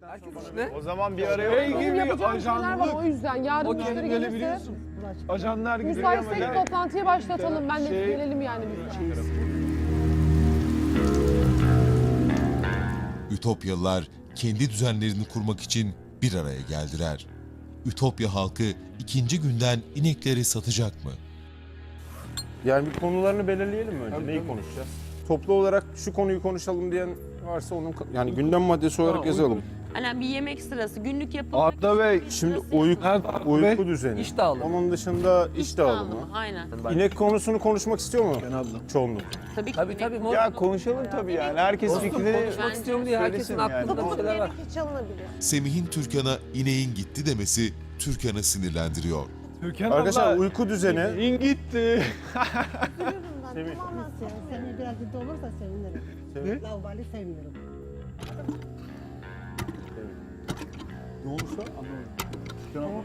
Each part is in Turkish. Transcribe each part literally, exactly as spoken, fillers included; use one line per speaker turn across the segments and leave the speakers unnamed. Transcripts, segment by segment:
O zaman bir araya
Benim
gibi
yapacağım şeyler var o yüzden. Yarın
O
müşteri
kendini
gelirse
biliyorsun. Ajanlar gibi
müsaitsek toplantıyı başlatalım. Ben de
Şey-
gelelim yani biz de.
Ütopyalılar kendi düzenlerini kurmak için bir araya geldiler. Ütopya halkı ikinci günden inekleri satacak mı?
Yani bir konularını belirleyelim mi önce?
Tabii,
Neyi
tabii.
konuşacağız? Toplu olarak şu konuyu konuşalım diyen varsa onun yani gündem maddesi olarak
Ha,
yazalım.
Hani bir yemek sırası, günlük yapım.
Arda Bey,
Şimdi uyku, uyku düzeni.
İş dağılımı.
Onun dışında iş dağılımı.
Aynen.
İnek konusunu konuşmak istiyor mu
ben abla.
çoğunluk?
Tabii ki.
Tabii tabii. Mo-
Ya konuşalım tabii yani. Herkes fikrini
konuşmak istiyorum diye herkesin
söylesin yani.
aklında bir şeyler var.
Semih'in Türkan'a ineğin gitti demesi Türkan'ı sinirlendiriyor.
Türkan
Arkadaşlar
abla,
uyku düzeni.
in gitti.
Semih.
Seni biraz ciddi olursa sevinirim.
Semih.
Laubali sevmiyorum.
Ne olursa anlamadım.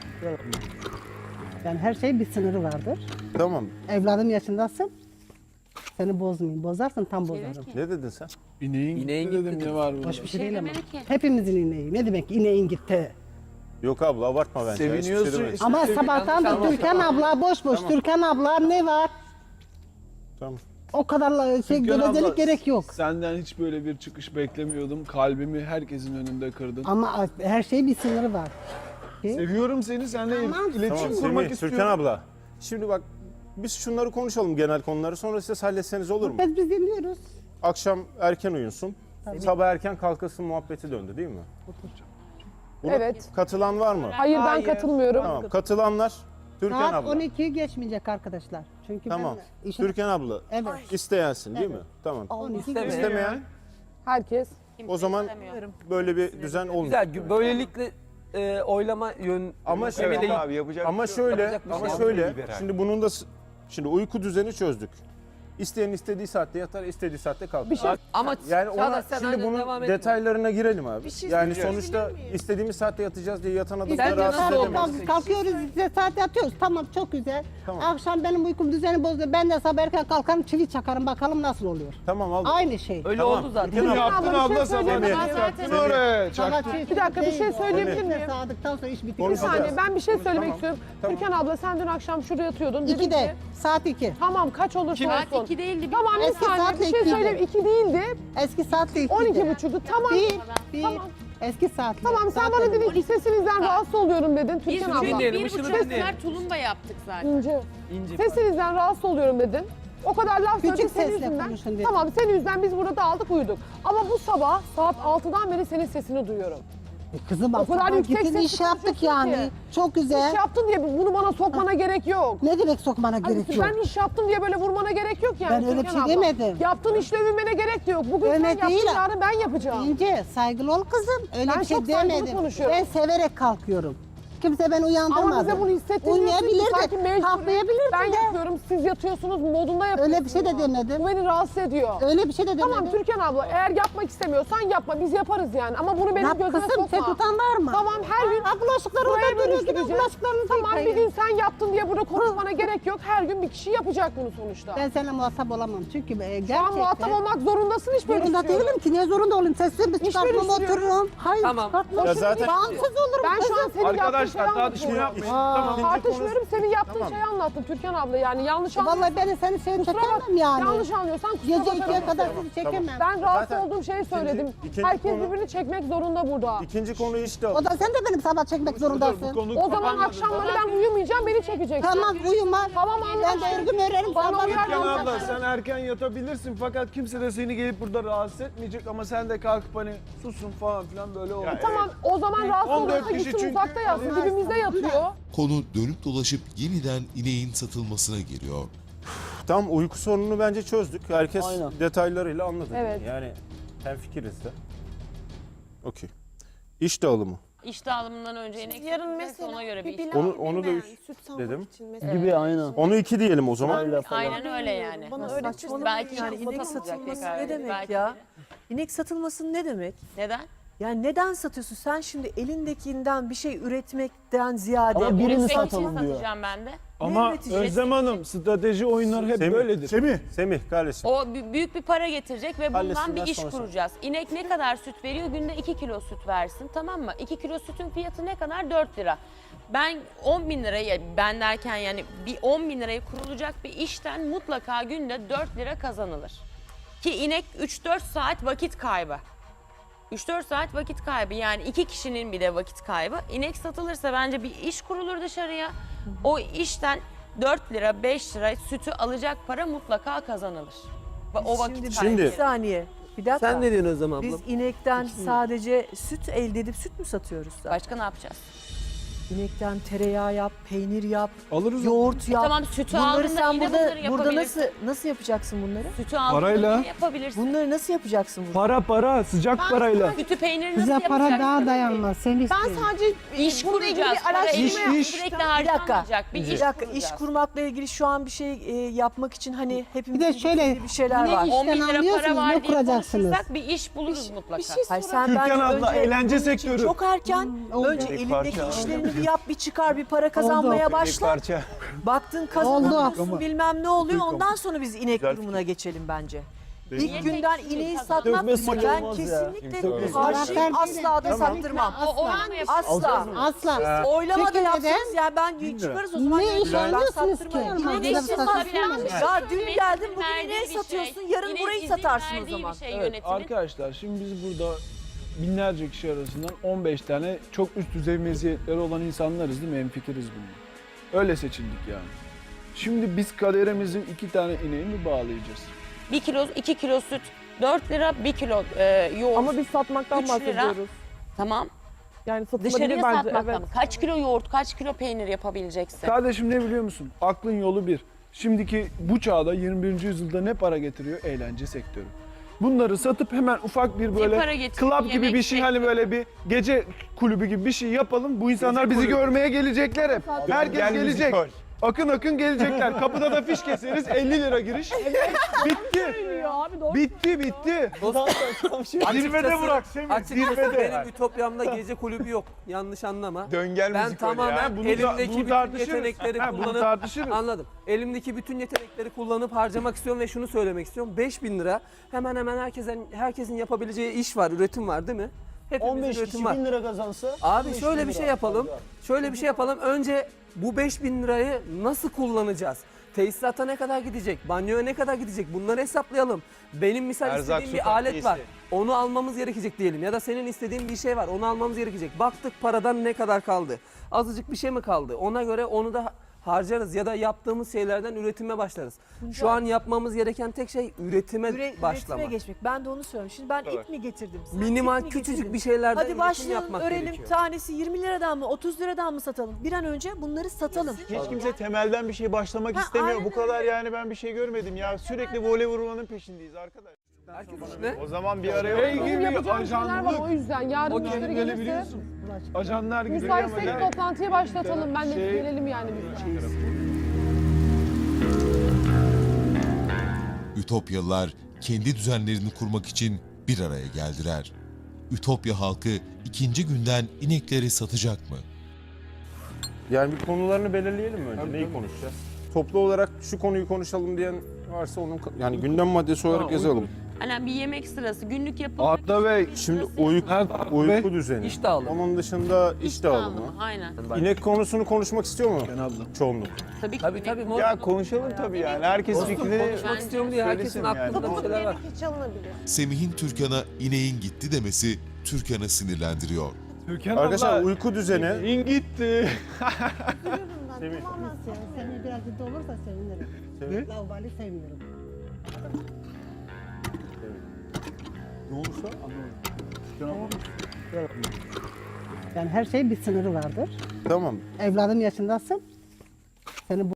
Yani her şeyin bir sınırı vardır.
Tamam.
Evladım yaşındasın. Seni bozmayayım. Bozarsın tam bozarım.
Ne dedin sen?
İneğin,
İneğin
gitti dedim
gitti
şey
ne var burada?
Hoş bir şey değil ama.
demedi ki.
Hepimizin ineği. Ne demek ineğin gitti?
Yok abla abartma bence. Hiçbir şey
Seviniyorsun
demedim.
işte.
Ama sabahtan da Türkan abla boş boş. Türkan abla ne var?
Tamam.
O kadar şey
Türkan
gevezelik
abla,
gerek yok.
Senden hiç böyle bir çıkış beklemiyordum. Kalbimi herkesin önünde kırdın.
Ama her şeyin bir sınırı var.
Seviyorum seni, seninle
Tamam.
iletişim
Tamam
kurmak
Semih,
istiyorum.
Türkan abla. Şimdi bak biz şunları konuşalım genel konuları sonra siz halletseniz olur mu?
Biz biz dinliyoruz.
Akşam erken uyunsun. Sabah erken kalkasın muhabbeti döndü değil mi? Buna
Evet.
katılan var mı?
Hayır ben
Hayır.
katılmıyorum.
Tamam. Katılanlar Türkan
Saat
abla.
on ikiyi geçmeyecek arkadaşlar. Çünkü
Tamam.
ben işin...
Türkan abla.
Evet.
İsteyensin değil mi? Tamam.
on iki
İsteme.
geçmeyecek.
İstemeyen
Herkes.
o zaman böyle bir düzen olmuyor.
Güzel. Böylelikle e, oylama yön...
Ama
Evet
şöyle
abi,
yapacak
ama şöyle
Yapacak bir
ama
şey
şöyle
yok.
şimdi bunun da s- şimdi uyku düzeni çözdük. İsteyen istediği saatte yatar, istediği saatte kalkar.
Bir şey
Ama
Yani ona
Çağdaş, sen
şimdi
aynen
bunun
devam etme.
detaylarına girelim abi.
şey
yani
söyleyeceğim.
sonuçta istediğimiz saatte yatacağız diye yatan adamı
Bence
da rahatsız
nasıl
edemeyiz.
olmaz?
Kalk- Kalkıyoruz, bize saat yatıyoruz. Tamam, çok güzel.
Tamam.
Akşam benim uykum düzeni bozdu. Ben de sabah erken kalkarım, çivi çakarım. Bakalım nasıl oluyor.
Tamam al.
Aynı şey.
Öyle
Tamam.
oldu zaten.
Türkan
Bunu
abla,
yaptın
Abla, bir şey
abla sabah.
söyleyeyim mi?
Çaktın
Semih.
oraya.
Sana
Çaktın.
çivi
Bir dakika, bir şey
değil.
söyleyebilir
Bize
miyim?
Sağdıktan sonra iş bitiyor.
Bir
Konuşacağız.
saniye ben bir şey söylemek
Tamam.
istiyorum.
Tamam.
Türkan abla sen dün akşam şurada yatıyordun. Dedin
İkide,
ki
saat iki.
tamam kaç olursa
Saat
olsun.
iki değildi.
Tamam bir
Eski
saniye
saatle
bir şey
ikiydi.
söyleyeyim. iki değildi.
Eski saatle iki.
on iki buçuktu. Tamam.
Bir, bir.
Tamam.
Eski saatle.
Tamam sen
Saat
bana
dedim.
dedin ki sesinizden rahatsız oluyorum dedin
Biz
Türkan
çünkü
abla.
dinleyelim,
bir
ışını
buçuk
dinleyelim.
sefer tulumba yaptık zaten.
İnce.
İnci.
Sesinizden rahatsız oluyorum dedin. O kadar laf
Küçük
söyledik senin
sesle
yüzünden.
konuşun dedim.
Tamam senin yüzünden biz burada aldık uyuduk. Ama bu sabah saat altıdan beri senin sesini duyuyorum.
E Kızım
O kadar
sabah
yüksek
gittin,
sesle
iş yaptık
konuşuyorsun
yani.
ki.
Çok güzel.
İş yaptın diye bunu bana sokmana gerek yok.
Ne demek sokmana
Hani
gerek yok?
ben iş yaptım diye böyle vurmana gerek yok yani.
Ben öyle bir
Türkan
şey
abla.
demedim.
Yaptığın işle övünmene gerek de yok. Bugün
Öyle
sen yaptın
değil.
yarın ben yapacağım.
İnce, saygılı ol kızım. Öyle
Ben
bir şey
çok saygılı
demedim.
konuşuyorum.
Ben severek kalkıyorum. Kimse beni uyandırmadı.
Ama bize bunu hissettirmiyorsun ki
Uymayabilir
sanki
de,
mecbur.
kalkmayabilir
Ben
de.
yapıyorum, siz yatıyorsunuz, modunda yapıyorsunuz.
Öyle bir şey de
Bu
demedim.
beni rahatsız ediyor.
Öyle bir şey de demedim.
Tamam Türkan abla, eğer yapmak istemiyorsan yapma, biz yaparız yani. Ama bunu benim
Yap
gözüme
kızım,
sokma.
sen tutan var mı?
Tamam her gün
Ha, bulaşıkları
buraya
orada duruyor, gidin
bölüştüreceğiz.
bulaşıklarınızı
Tamam bir
yıkayın.
gün sen yaptın diye burada konuşmana gerek yok. Her gün bir kişi yapacak bunu sonuçta.
Ben seninle muhatap olamam çünkü e,
Şu an
gerçekten...
muhatap olmak zorundasın hiç böyle
Zorunda
istiyorum.
değilim ki, niye zorunda olayım? Sesimi
İş
çıkartmam,
bölüştürüyorum.
otururum. Hayır,
Tamam.
çıkartmam.
Ya zaten-
Bağımsız olurum
Ben şu an
kızım.
senin yaptığın şeyi
Arkadaşlar tartışma
anlatıyorum.
yapmayın.
Aa,
Tamam.
Tartışmıyorum, senin yaptığın
Tamam.
şeyi anlattım Türkan abla yani yanlış anlıyorsan.
Vallahi ben senin şeyini
Kusura bak,
çekemem yani.
yanlış anlıyorsan kusura
Gece
bakarım.
ikiye kadar
Tamam,
sizi çekemem.
Ben rahatsız
Zaten
olduğum şeyi söyledim.
ikinci
Herkes
konu-
birbirini çekmek zorunda burada.
İkinci konu işte
O da sen de benim sabah çekmek zorundasın.
Bu konu
O zaman
kapanmadı.
akşamları ben uyumayacağım, beni çekeceksin.
Tamam, uyuma.
Tamam,
Ben de
anlaşıldı.
örgüm örerim.
Bana
sabah
uyar
Türkan
mısın?
abla sen erken yatabilirsin fakat kimse de seni gelip burada rahatsız etmeyecek ama sen de kalkıp hani susun falan filan böyle olur.
Tamam o zaman rahatsız
on dört
olursa
kişi
gitsin
çünkü-
uzakta yatsın, dibimizde yatıyor.
Konu dönüp dolaşıp yeniden ineğin satılmasına geliyor.
Tam uyku sorununu bence çözdük. Herkes
Aynen.
detaylarıyla anladı.
Evet.
Yani hemfikiriz de. Okey. İş dağılımı.
İş dağılımından önce inek
Yarın
satacağız,
mesela
ona göre bir iş
pilav
Onu- onu da
yemeyen,
üç
süt sağmak
dedim.
için mesela.
Gibi aynen.
Onu iki diyelim o zaman.
Aynen öyle yani.
Bana öğretirsin.
Belki
Yani
şansıma
inek
takılacak
satılması
tekrar.
ne demek
Belki
ya?
de.
İnek satılması ne demek?
Neden?
Yani neden satıyorsun? Sen şimdi elindekinden bir şey üretmekten ziyade...
Ama birini
Üretmek için
satalım diyor.
satacağım ben de.
Ama
üreteceğiz?
Özlem Hanım strateji oyunları hep
Semih.
böyledir. Semih.
Semih kardeşim.
O bü- büyük bir para getirecek ve bundan
Halletsin,
bir
ben
iş
sonra
kuracağız. İnek ne kadar süt veriyor? Günde iki kilo süt versin, tamam mı? iki kilo sütün fiyatı ne kadar? dört lira. Ben on bin liraya, ben derken yani bir on bin liraya kurulacak bir işten mutlaka günde dört lira kazanılır. Ki inek üç dört saat vakit kaybı. üç dört saat vakit kaybı, yani iki kişinin bile vakit kaybı. İnek satılırsa bence bir iş kurulur dışarıya. O işten dört lira beş lira sütü alacak para mutlaka kazanılır. Ve o vakit
Şimdi,
kaybı.
Şimdi-
bir saniye. Bir dakika.
Sen ne diyorsun Özlem abla?
Biz inekten sadece süt elde edip süt mü satıyoruz? zaten?
Başka ne yapacağız?
İnekten tereyağı yap, peynir yap,
Alırız.
yoğurt yap.
Tamam, sütü
Bunları
aldığında
sen
yine
burada,
bunları
burada
yapabilirsin.
nasıl nasıl yapacaksın bunları?
Sütü aldığında
Parayla.
yine yapabilirsin.
Bunları nasıl yapacaksın burada?
Para para sıcak parayla.
Sütü peyniri nasıl
Bize
yapacaksın?
para daha dayanmaz. Sen
Ben
istiyorsun.
sadece
İş
bununla ilgili
kuracağız.
bir
Para
araştırma
İş,
yaptım.
iş.
sürekli
Bir dakika.
harcanmayacak. Bir
Bir
iş
dakika, iş
kuracağız.
kurmakla ilgili şu an bir şey e, yapmak için hani hepimiz
Bir de şöyle,
bir şeyler
ne
var.
iş-
on bin
İşten
lira para
anlıyorsunuz,
var
ne
diye
kuracaksınız?
konuşursak bir iş buluruz mutlaka.
Bir şey
Hayır,
sorayım.
sen
Türkan
bence
abla,
önce
eğlence
bunun için
sektörü.
çok erken
oldu.
önce
Bir
elindeki
parça.
işlerini bir yap, bir çıkar, bir para kazanmaya başla.
parça.
Baktın kazanamıyorsun,
Oldu.
bilmem ne oluyor. Ondan sonra biz inek durumuna geçelim bence. İlk günden ineği satmak
Dökme suyu
ben
olmaz ya.
kesinlikle
Dökme suyu.
karşıyım, asla da sattırmam.
O oynama
Asla.
Asla.
Oylama da
Peki
yapsanız ya ben çıkarız o zaman.
Ne iş
ben
alıyorsunuz ki?
sattırmam.
İnek
İnek
için
satabilen
bir şey.
Ya dün
Yönetimin
geldin bugün
verdiği
ineği
bir şey.
satıyorsun, yarın
Yine
burayı
izin
satarsın o
verdiği
zaman.
bir şey
Evet,
yönetimin.
arkadaşlar şimdi biz burada binlerce kişi arasından on beş tane çok üst düzey meziyetleri olan insanlarız değil mi? Hemfikiriz bununla. Öyle seçildik yani. Şimdi biz kaderimizin iki tane ineği mi bağlayacağız?
Bir kilo, iki kilo süt dört lira, bir kilo e, yoğurt.
Ama biz satmaktan
Üç lira.
bahsediyoruz.
Tamam.
Yani satılabilir
Dışarıya
bence.
satmaktan.
Evet.
Kaç kilo yoğurt, kaç kilo peynir yapabileceksin?
Kardeşim ne biliyor musun? Aklın yolu bir. Şimdiki bu çağda yirmi birinci yüzyılda ne para getiriyor? Eğlence sektörü. Bunları satıp hemen ufak bir
para
böyle
getiriyor?
club gibi
Yemek
bir şey, hani böyle bir gece kulübü gibi bir şey yapalım. Bu insanlar bizi görmeye gelecekler hep. Herkes gelecek. Akın akın gelecekler. Kapıda da fiş keseriz. elli lira giriş. Bitti.
Abi doğru.
Bitti bitti. Zirvede bırak Semih.
Açıkçası
Zirvede.
benim ütopyamda gece kulübü yok. Yanlış anlama.
Döngel
Ben
müzik öyle
tamamen
ya.
Bunu da-
elimdeki
bunu
bütün
tartışırız.
yetenekleri
Ha, bunu
kullanıp
tartışırız.
anladım. Elimdeki bütün yetenekleri kullanıp harcamak istiyorum ve şunu söylemek istiyorum. beş bin lira hemen hemen herkesin herkesin yapabileceği iş var, üretim var değil mi? Hepimizin üretim var.
lira kazansa.
Abi şöyle bir şey yapalım. Şöyle bir şey yapalım. Önce bu beş bin lirayı nasıl kullanacağız? Tesisata ne kadar gidecek? Banyoya ne kadar gidecek? Bunları hesaplayalım. Benim misal
Erzak,
istediğim
su
bir alet var.
takviyesi.
Onu almamız gerekecek diyelim. Ya da senin istediğin bir şey var. Onu almamız gerekecek. Baktık paradan ne kadar kaldı? Azıcık bir şey mi kaldı? Ona göre onu da harcarız ya da yaptığımız şeylerden üretime başlarız. Şu an yapmamız gereken tek şey üretime
Üre,
başlamak.
üretime geçmek. Ben de onu söylüyorum. Şimdi ben ip mi getirdim? Sen
Minimal
ip mi
küçücük
getirdin?
bir şeylerden
Hadi
üretim
başlayalım,
yapmak
öğrenelim.
gerekiyor.
Tanesi yirmi liradan mı, otuz liradan mı satalım? Bir an önce bunları satalım.
Hiç kimse temelden bir şey başlamak
Ha,
istemiyor.
aynen
Bu kadar yani ben bir şey görmedim ya. Sürekli voley vurmanın peşindeyiz arkadaş.
Herkes ne?
O zaman bir araya
Hey
Benim
gibi
yapacağım şeyler var
ajanlık.
o yüzden. Yarın
O
müşteri
kendini
gelirse
biliyorsun. Ajanlar gibi.
müsaitsek toplantıyı başlatalım. Ben de
Şey-
gelelim yani biz de.
Ütopyalılar kendi düzenlerini kurmak için bir araya geldiler. Ütopya halkı ikinci günden inekleri satacak mı?
Yani bir konularını belirleyelim mi önce?
Tabii,
Neyi
tabii.
konuşacağız? Toplu olarak şu konuyu konuşalım diyen varsa onun yani gündem maddesi olarak
Tamam,
yazalım.
Hani bir yemek sırası, günlük yapılmak
Arda Bey.
Şimdi uyku, uyku düzeni.
İş dağılımı.
Onun dışında iş dağılımı.
Aynen.
İnek konusunu konuşmak istiyor mu
Ben abla.
çoğunluk?
Tabii ki.
Tabii
inek-
tabii.
Ya konuşalım tabii yani. Herkes
Dostum,
fikrini
konuşmak istiyorum diye herkesin
söylesin yani.
aklında bir şeyler var.
Semih'in Türkan'a ineğin gitti demesi Türkan'ı sinirlendiriyor.
Türkan
Arkadaşlar
abla.
uyku düzeni.
İn gitti.
Semih.
Tamam sen, seni biraz ciddi olursa sevinirim.
Semih.
Laubali sevmiyorum.
Ne olursa anlamadım.
Yani her şeyin bir sınırı vardır.
Tamam.
Evladım yaşındasın. Seni bu